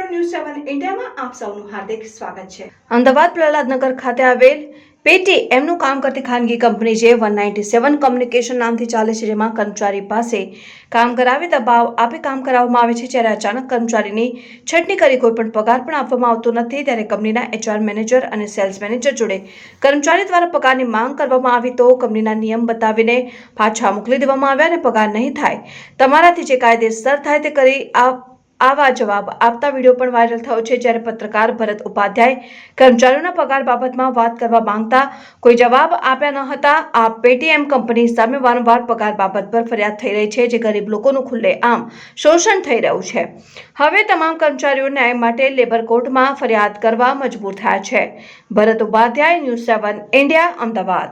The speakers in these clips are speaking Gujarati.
ન્યૂઝ 7 ઇન્ડિયામાં આપ સૌનું હાર્દિક સ્વાગત છે। અમદાવાદ પ્રહલાદનગર ખાતે આવેલ પેટીએમનું કામ કરતી ખાનગી કંપની જે 197 કમ્યુનિકેશન નામથી ચાલે છે, જેમાં કર્મચારી પાસે કામ કરાવી દબાવ આપી કામ કરાવવામાં આવે છે। જ્યારે અચાનક કર્મચારીની છટણી કરી કોઈ પણ પગાર પણ આપવામાં આવતો નથી, ત્યારે કંપનીના HR મેનેજર અને સેલ્સ મેનેજર જોડે કર્મચારી દ્વારા પગારની માંગ કરવામાં આવી તો કંપનીના નિયમ બતાવીને પાછા મોકલી દેવામાં આવ્યા અને પગાર નહીં થાય, તમારાથી જે કાયદેસર થાય તે કરી આવા જવાબ આપતા વિડીયો પણ વાયરલ થયો છે। જ્યારે પત્રકાર ભરત ઉપાધ્યાય કર્મચારીઓના પગાર બાબતમાં વાત કરવા માંગતા કોઈ જવાબ આપ્યા ન હતા। આ પેટીએમ કંપની સામે વારંવાર પગાર બાબત પર ફરિયાદ થઈ રહી છે, જે ગરીબ લોકોનું ખુલ્લેઆમ શોષણ થઈ રહ્યું છે। હવે તમામ કર્મચારીઓ ન્યાય માટે લેબર કોર્ટમાં ફરિયાદ કરવા મજબૂર થયા છે। Bharat Upadhyay, news 7 India, Ahmedabad.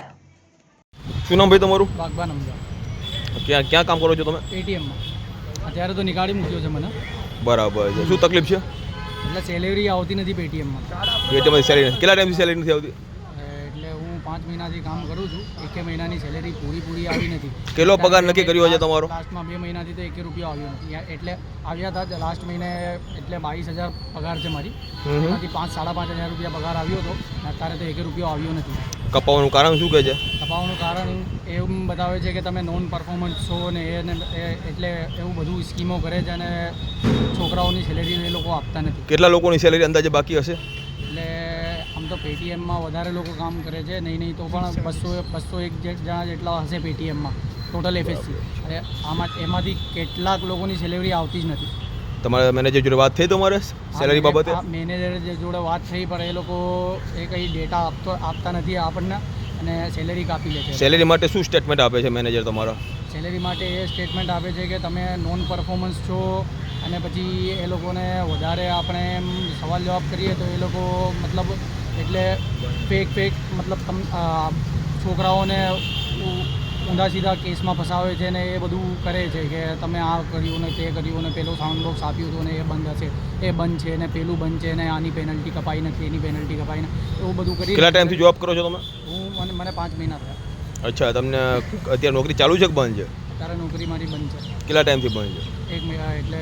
શું નામ ભાઈ તમારું? બાગબાન અમદાવાદ। ક્યાં કામ કરો છો તમે? પેટીએમમાં અત્યારે તો નીકાળી મૂક્યો છે મને। બરાબર છે। શું તકલીફ છે? એટલે સેલેરી આવતી નથી પેટીએમમાં। પેટીએમમાં સેલેરી કેટલા ટાઈમથી સેલેરી નથી આવતી? એટલે હું 5 મહિનાથી કામ કરું છું, 1 મહિનાની સેલેરી પૂરી આવી નથી। કેટલો પગાર નક્કી કર્યો છે તમારો? લાસ્ટમાં 2 મહિનાથી તો 1 રૂપિયો આવ્યો નથી। એટલે આવ્યા હતા લાસ્ટ મહિને, એટલે 22,000 પગાર છે મારી, એમાંથી 5,000-5,500 રૂપિયા પગાર આવ્યો હતો, અત્યારે તો 1 રૂપિયો આવ્યો નથી। કપાવવાનું કારણ શું કહે છે? કપાવવાનું કારણ એવું બતાવે છે કે તમે નોન પરફોર્મન્સ છો ને એટલે એવું બધું સ્કીમો કરે છે અને છોકરાઓની સેલેરી એ લોકો આપતા નથી। કેટલા લોકોની સેલેરી અંદાજે બાકી હશે? એટલે આમ તો પેટીએમમાં વધારે લોકો કામ કરે છે, નહીં તો પણ 201 જણા જેટલા હશે પેટીએમમાં ટોટલ FSC। અને એમાંથી કેટલાક લોકોની સેલેરી આવતી જ નથી। તમારા મેનેજર જોડે વાત થઈ તમારે સેલેરી બાબતે? મેનેજર જોડે વાત થઈ, પણ એ લોકો કંઈ ડેટા આપતા નથી આપણને અને સેલેરી કાપી લે છે। સેલેરી માટે શું સ્ટેટમેન્ટ આપે છે મેનેજર તમારા? સેલેરી માટે એ સ્ટેટમેન્ટ આપે છે કે તમે નોન પરફોર્મન્સ છો, અને પછી એ લોકોને વધારે આપણે એમ સવાલ જવાબ કરીએ તો એ લોકો મતલબ એટલે ફેક મતલબ છોકરાઓને ઊંધા સીધા કેસમાં ફસાવે છે ને એ બધું કરે છે કે તમે આ કર્યું ને તે કર્યું ને પેલું સાઉન્ડ બોક્સ આપ્યું હતું ને એ બંધ હશે, એ બંધ છે ને પેલું બંધ છે ને આની પેનલ્ટી કપાઈ નથી, એની પેનલ્ટી કપાઈ ને એવું બધું કરી। કેટલા ટાઈમથી જોબ કરો છો તમે? મને 5 મહિના થયા। અચ્છા, તમને અત્યારે નોકરી ચાલુ છે કે બંધ છે? અત્યારે નોકરી મારી બંધ છે। કેટલા ટાઈમથી બંધ છે? 1 મહિના એટલે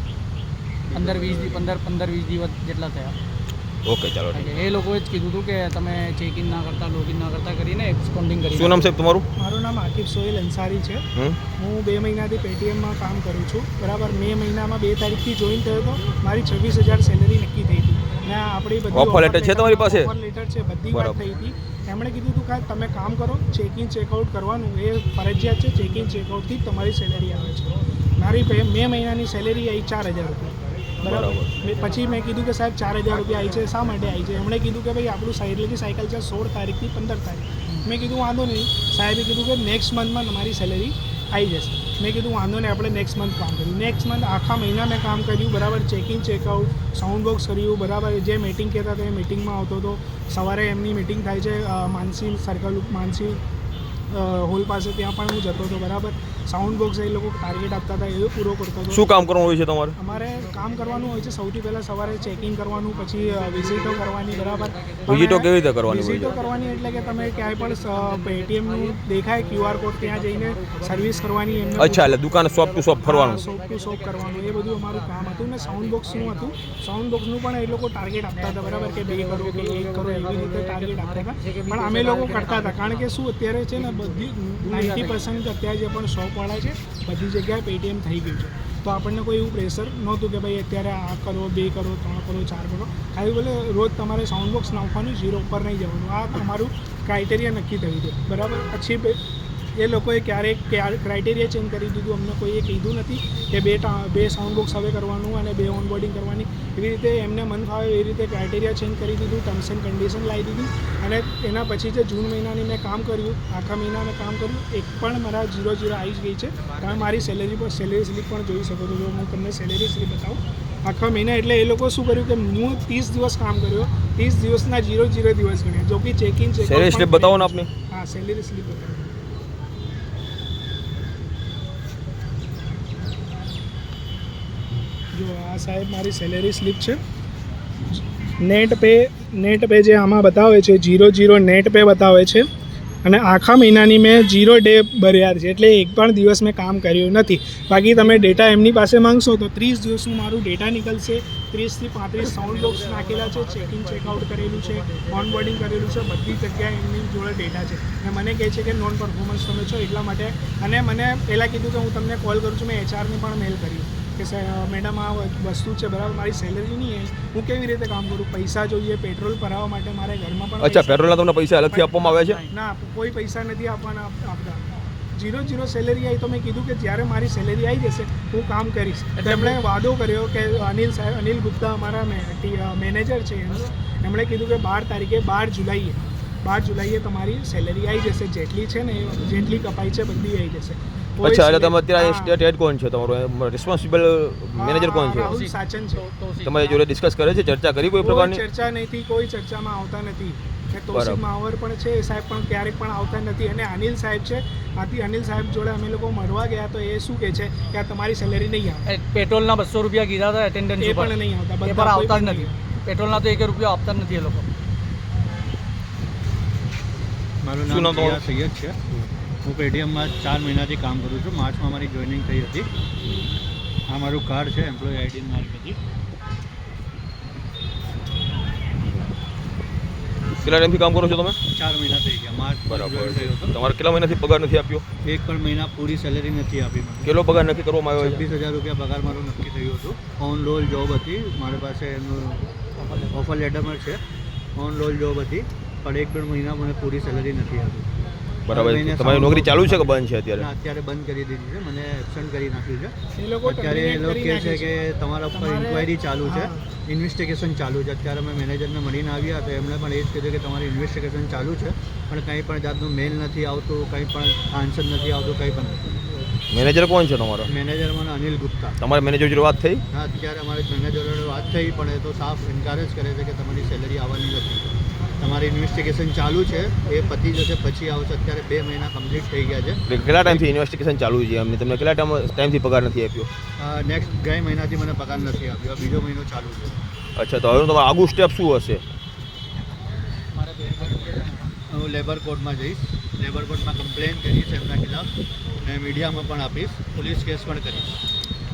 15-20 દિવસ જેટલા થયા। ઓકે, ચાલો। એ લોકોએ જ કીધું હતું કે તમે ચેક ઇન ના કરતા, લોગિન ના કરતા કરીને એબ્સકોન્ડિંગ કરી। શું નામ સાહેબ તમારું? મારું નામ આકિબ સોહેલ અંસારી છે। હું 2 મહિનાથી પેટીએમમાં કામ કરું છું, બરાબર। મે મહિનામાં 2 તારીખથી જોઈન થયો હતો, મારી 26,000 સેલેરી નક્કી થઈ હતી ને આપણી બધી ઓફર લેટર છે તમારી પાસે? ઓફર લેટર છે, બધી વાત થઈ હતી। એમણે કીધું હતું કે તમે કામ કરો, ચેક ઇન ચેકઆઉટ કરવાનું એ ફરજિયાત છે, ચેક ઇન ચેકઆઉટથી જ તમારી સેલેરી આવે છે। મારી મે મહિનાની સેલેરી આવી 4,000 રૂપિયા, બરાબર। પછી મેં કીધું કે સાહેબ 4,000 રૂપિયા આવી છે, શા માટે આવી છે? એમણે કીધું કે ભાઈ આપણું સાયકલની સાયકલ છે 16 તારીખથી 15 તારીખ। મેં કીધું વાંધો નહીં। સાહેબે કીધું કે નેક્સ્ટ મંથમાં તમારી સેલેરી આવી જશે। મેં કીધું વાંધો નહીં, આપણે નેક્સ્ટ મંથ કામ કર્યું। નેક્સ્ટ મંથ આખા મહિના મેં કામ કર્યું, બરાબર। ચેકિંગ ચેકઆઉટ, સાઉન્ડ બોક્સ કર્યું, બરાબર। જે મીટિંગ કહેતા હતા એ મિટિંગમાં આવતો હતો। સવારે એમની મિટિંગ થાય છે માનસી સર્કલ, માનસી હોલ પાસે, ત્યાં પણ હું જતો હતો, બરાબર। સાઉન્ડ બોક્સ એ લોકો ટાર્ગેટ આપતા હતા, એ પૂરો કરતો હતો। શું કામ કરવાનું હોય છે તમારે? અમારે કામ કરવાનું હોય છે સૌથી પહેલાં સવારે ચેકિંગ કરવાનું, પછી વિઝિટો કરવાની, બરાબર। વિઝિટો કેવી રીતે કરવાની હોય છે? વિઝિટો કરવાની એટલે કે તમે ક્યાંય પણ પેટીએમનું દેખાય QR કોડ, ત્યાં જઈને સર્વિસ કરવાની એમને। અચ્છા, એટલે દુકાન શોપ ટુ શોપ ફરવાનું? શોપ ટુ શોપ કરવાનું, એ બધું અમારું કામ હતું। ને સાઉન્ડ બોક્સનું હતું, સાઉન્ડ બોક્સનું પણ એ લોકો ટાર્ગેટ આપતા હતા, બરાબર, કે 2 કરો કે 1 કરો, એવી રીતે ટાર્ગેટ આપતા હતા। પણ અમે લોકો કરતા હતા, કારણ કે શું અત્યારે છે ને બધી 90% અત્યારે જે પણ શોપવાળા છે બધી જગ્યાએ પેટીએમ થઈ ગયું છે, તો આપણને કોઈ એવું પ્રેશર નહોતું કે ભાઈ અત્યારે આ કરો, 2 કરો, 3 કરો, 4 કરો। ખાલી બોલે રોજ તમારે સાઉન્ડ બોક્સ નાખવાનું, 0 ઉપર નહીં જવાનું, આ અમારું ક્રાઇટેરિયા નક્કી થયું હતું, બરાબર। પછી એ લોકોએ ક્યારેક ક્રાઇટેરિયા ચેન્જ કરી દીધું, અમને કોઈએ કીધું નથી કે 2 સાઉન્ડ બોક્સ હવે કરવાનું અને 2 ઓનબોર્ડિંગ કરવાની। એવી રીતે એમને મન ફાવે એ રીતે ક્રાઇટેરિયા ચેન્જ કરી દીધું, ટર્મ્સ એન્ડ કન્ડિશન લાવી દીધી। અને એના પછી જે જૂન મહિનાની મેં કામ કર્યું, આખા મહિના મેં કામ કર્યું, એક પણ મારા 0 આવી જ ગઈ છે। તમે મારી સેલેરી સ્લીપ પણ જોઈ શકો છો, જો હું તમને સેલેરી સ્લીપ બતાવું આખા મહિના। એટલે એ લોકો શું કર્યું કે હું 30 દિવસ કામ કર્યો, 30 દિવસના 0 દિવસ ગણ્યા, જો કે ચેકિંગ સેલેરી સ્લીપ બતાવો ને આપને। હા, સેલેરી સ્લીપ બતાવો। જો આ સાહેબ મારી સેલેરી સ્લીપ છે। નેટ પે જે આમાં બતાવે છે 0 નેટ પે બતાવે છે, અને આખા મહિનાની મેં 0 ડે ભર્યા છે, એટલે એક પણ દિવસ મેં કામ કર્યું નથી. બાકી તમે ડેટા એમની પાસે માંગશો તો 30 દિવસનું મારું ડેટા નીકળશે. 30 થી 35 સાઉન્ડ બોક્સ નાખેલા છે, ચેકિંગ ચેકઆઉટ કરેલું છે, ઓનબોર્ડિંગ કરેલું છે, બધી જગ્યાએ એમની જોડે ડેટા છે. અને મને કહે છે કે નોન પરફોર્મન્સ તમે છો એટલા માટે. અને મને પહેલાં કીધું કે હું તમને કોલ કરું છું, મેં HRને પણ મેલ કરી કે મેડમ આ વસ્તુ છે બરાબર, મારી સેલરી નહીં હું કેવી રીતે કામ કરું, પૈસા જોઈએ પેટ્રોલ ભરાવવા માટે, મારે ઘરમાં પણ અચ્છા, પેટ્રોલના તમને પૈસા અલગથી આપવામાં આવે છે? ના, કોઈ પૈસા નથી આપતા. 0 સેલેરી આવી તો મેં કીધું કે જ્યારે મારી સેલેરી આવી જશે હું કામ કરીશ. એમણે વાદો કર્યો કે અનિલ ગુપ્તા અમારા મેનેજર છે, એમણે કીધું કે 12 જુલાઈએ તમારી સેલેરી આવી જશે, જેટલી છે ને જેટલી કપાઈ છે બધી આવી જશે. અચ્છા, એટલે તમે અત્યારે સ્ટેટ હેડ કોણ છે તમારો, રિસ્પોન્સિબલ મેનેજર કોણ છે? રાહુલ સાચન છે. તમારી જોડે ડિસ્કસ કરે છે, ચર્ચા કરી કોઈ પ્રકારની? ચર્ચા નથી, કોઈ ચર્ચામાં આવતા નથી. તોસિફ માવર પણ છે, એ સાહેબ પણ ક્યારેક પણ આવતા નથી. અને અનિલ સાહેબ છે, અનિલ સાહેબ જોડે અમે લોકો મળવા ગયા તો એ શું કહે છે કે આ તમારી સેલેરી નહીં આવે. પેટ્રોલના 200 રૂપિયા કીધા હતા એટેન્ડન્સ એ ઉપર, પણ નહીં આવતા, એ પણ આવતા જ નથી. પેટ્રોલના તો 1 રૂપિયા આપતા જ નથી એ લોકો. મારું શું નામ નામ તમારું? સૈયદ છે. હું પેટીએમમાં 4 મહિનાથી કામ કરું છું. માર્ચમાં મારી જોઈનિંગ થઈ હતી. આ મારું કાર્ડ છે, એમ્પ્લોય આઈડી મારી બધી. કેટલા ટાઈમથી કામ કરો છો તમે? 4 મહિના થઈ ગયા. માર્ચમાં જોઈન થયો હતો. તમારે કેટલા મહિનાથી પગાર નથી આપ્યો? એક પણ મહિના પૂરી સેલેરી નથી આપી મને. કેટલો પગાર નક્કી કરવામાં આવ્યો છે? 26,000 રૂપિયા પગાર મારું નક્કી થયું હતું. ઓન રોલ જોબ હતી મારી પાસે, એનું ઓફર લેટરમાં છે. ઓન રોલ જોબ હતી, પણ 1-2 મહિના મને પૂરી સેલેરી નથી આપી. બરાબર. તમારી નોકરી ચાલુ છે કે બંધ છે અત્યારે? ના, અત્યારે બંધ કરી દીધી છે. મને એબસન્ટ કરી નાખ્યું છે. એ લોકો અત્યારે એ લોકો કહે છે કે તમારા ઉપર ઇન્ક્વાયરી ચાલુ છે, ઇન્વેસ્ટિગેશન ચાલુ છે. અત્યારે અમે મેનેજરને મળીને આવ્યા તો એમણે પણ એ જ કીધું કે તમારી ઇન્વેસ્ટિગેશન ચાલુ છે, પણ કંઈ પણ જાતનું મેલ નથી આવતું, કંઈ પણ આન્સર નથી આવતું, કંઈ પણ નથી. મેનેજર કોણ છે તમારો? મેનેજર મને અનિલ ગુપ્તા. તમારા મેનેજર જોડે વાત થઈ? હા, અત્યારે અમારે મેનેજર જોડે વાત થઈ, પણ એ તો સાફ ઇન્કાર જ કરે છે કે તમારી સેલરી આવવાની નથી. તમારી ઇન્વેસ્ટિગેશન ચાલુ છે, એ પતી જશે પછી આવશે. અત્યારે 2 મહિના કમ્પ્લીટ થઈ ગયા છે. એટલે કેટલા ટાઈમથી ઇન્વેસ્ટિગેશન ચાલુ છે એમને? તમને કેટલા ટાઈમથી પગાર નથી આપ્યો? નેક્સ્ટ 2 મહિનાથી મને પગાર નથી આપ્યો. બીજો મહિનો ચાલુ છે. અચ્છા, તો હવે તમારું આગું સ્ટેપ શું હશે? હું લેબર કોર્ટમાં જઈશ, લેબર કોર્ટમાં કમ્પ્લેન કરીશ એમના ખિલાફ, અને મીડિયામાં પણ આપીશ, પોલીસ કેસ પણ કરીશ.